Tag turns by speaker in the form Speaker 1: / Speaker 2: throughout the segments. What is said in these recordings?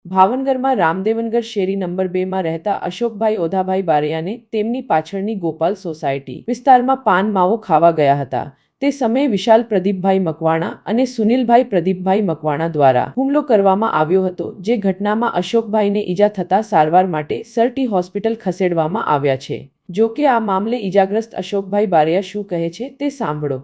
Speaker 1: ભાવનગરમાં રામદેવનગર શેરી નંબર 2માં રહેતા અશોકભાઈ ઓધાભાઈ બારૈયાને તેમની પાછળની ગોપાલ સોસાયટી વિસ્તારમાં પાન માવો ખાવા ગયા હતા। તે સમયે વિશાલ પ્રદીપભાઈ મકવાણા અને સુનિલભાઈ પ્રદીપભાઈ મકવાણા દ્વારા હુમલો કરવામાં આવ્યો હતો, જે ઘટનામાં અશોકભાઈને ઈજા થતા સારવાર માટે સરટી હોસ્પિટલ ખસેડવામાં આવ્યા છે। જો કે આ મામલે ઈજાગ્રસ્ત અશોકભાઈ બારૈયા શું કહે છે તે સાંભળો।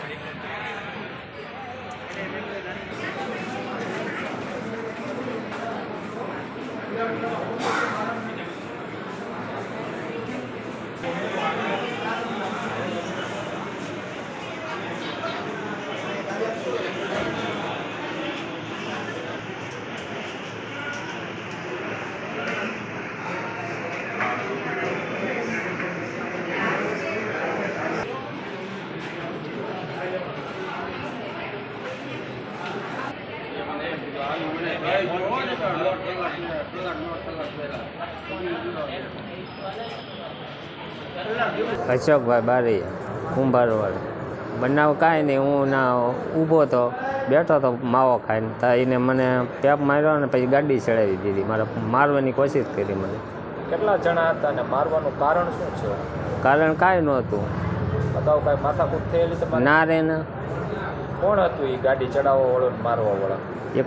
Speaker 2: અશોકભાઈ બારૈયા કુંભારવાળા। બનાવ કાંઈ નહીં, હું ના ઊભો તો બેઠો તો માવો ખાઈને, તો એને મને પેપ માર્યો ને પછી ગાડી ચડાવી દીધી, મારે મારવાની કોશિશ કરી મને।
Speaker 3: કેટલા જણા હતા અને મારવાનું કારણ શું છે?
Speaker 2: કારણ કાંઈ નહોતું।
Speaker 3: અગાઉ કાંઈ માથાકૂટ થયેલી તમારે?
Speaker 2: ના રે ને।
Speaker 3: કોણ હતું એ ગાડી ચડાવવા વાળો ને મારવા વાળા?
Speaker 2: એક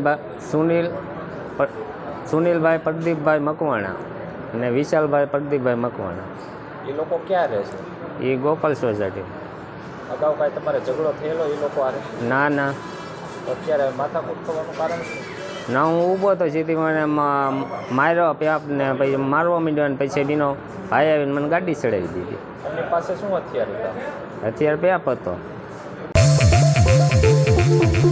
Speaker 2: સુનિલભાઈ પ્રદીપભાઈ મકવાણા અને વિશાલભાઈ પ્રદીપભાઈ મકવાણા।
Speaker 3: એ લોકો ક્યાં રહે છે?
Speaker 2: એ ગોપાલ સોસાયટી।
Speaker 3: અગાઉ કાંઈ તમારે ઝઘડો થયેલો એ લોકો હારે?
Speaker 2: ના ના,
Speaker 3: તો અત્યારે માથાકૂટ થવાનું કારણ શું?
Speaker 2: ના, હું ઊભો તો સીધી મને માર્યો પેપ ને પછી મારવા માંડ્યો ને પછી બીનો ભાઈ આવીને મને ગાડી ચડાવી દીધી।
Speaker 3: એમની પાસે શું હથિયાર હતા?
Speaker 2: હથિયાર પેપ હતો।